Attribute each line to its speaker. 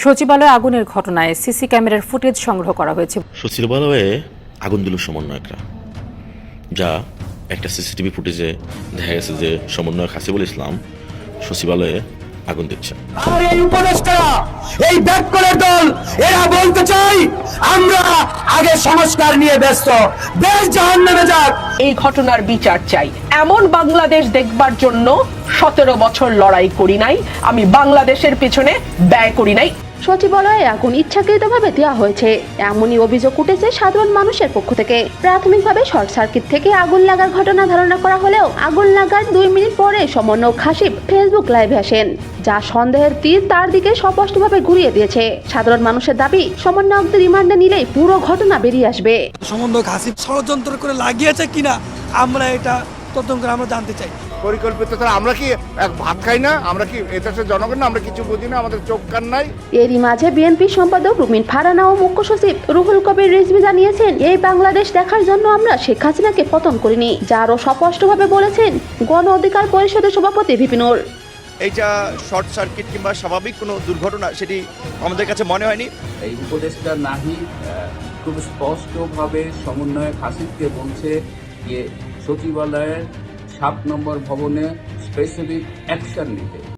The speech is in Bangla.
Speaker 1: সচিবালয়ে আগুনের ঘটনায় সিসি ক্যামেরার ফুটেজ সংগ্রহ করা হয়েছে।
Speaker 2: সচিবালয়ে আগুন দিল সমন্বয়করা, যা একটা সিসিটিভি ফুটেজে দেখা গেছে যে সমন্বয়ক হাসিবুল ইসলাম সচিবালয়ে আগুন দিচ্ছে।
Speaker 3: আর এই উপদেষ্টারা, এই ব্যাককলের দল, এরা বলতে চাই আমরা আগে সংস্কার নিয়ে ব্যস্ত, দেশ জাহান্নামে যাক।
Speaker 4: এই ঘটনার বিচার চাই। এমন বাংলাদেশ দেখবার জন্য 17 বছর লড়াই করি নাই, আমি বাংলাদেশের পেছনে ব্যয় করি নাই।
Speaker 5: সচিবালয়ে আগুন ইচ্ছাকৃতভাবে দেওয়া হয়েছে এমনই অভিযোগ উঠেছে সাধারণ মানুষের পক্ষ থেকে। প্রাথমিকভাবে শর্ট সার্কিট থেকে আগুন লাগার ঘটনা ধারণা করা হলেও আগুন লাগার 2 মিনিট পরে সমন্বয়ক হাসিব ফেসবুক লাইভে আসেন, যা সন্দেহের তীর তার দিকে স্পষ্টভাবে ঘুরিয়ে দিয়েছে। সাধারণ মানুষের দাবি, সমন্বয়কদের রিমান্ডে নিলেই পুরো ঘটনা বেরিয়ে আসবে।
Speaker 6: সমন্বয়ক হাসিব ষড়যন্ত্র করে লাগিয়েছে কিনা আমরা এটা তদন্ত করে আমরা জানতে চাই।
Speaker 7: পরিকল্পিত তারা আমরা কি ভাত খাই না? আমরা কি এদেশের জনগণ না? আমরা কিছু বুঝি না? আমাদের চোখ কান নাই?
Speaker 5: এরই মাঝে বিএনপি সম্পাদক রুমিন ফারহানা ও মুখ্য সচিব রুহুল কবির রিজভী জানিয়েছেন, এই বাংলাদেশ দেখার জন্য আমরা শেখ হাসিনাকে পতন করিনি, যা আরও স্পষ্টভাবে বলেছেন গণ অধিকার পরিষদের সভাপতি ভিপি নূর।
Speaker 8: এইটা শর্ট সার্কিট কিংবা স্বাভাবিক কোনো দুর্ঘটনা সেটি আমাদের কাছে মনে হয়নি।
Speaker 9: এই উপদেষ্টা নাহিদ খুব স্পষ্টভাবে সমন্বয়ক হাসিবকে বলছে যে সচিবালয়ের 7 নম্বর ভবনে স্পেসিফিক অ্যাকশন নিতে।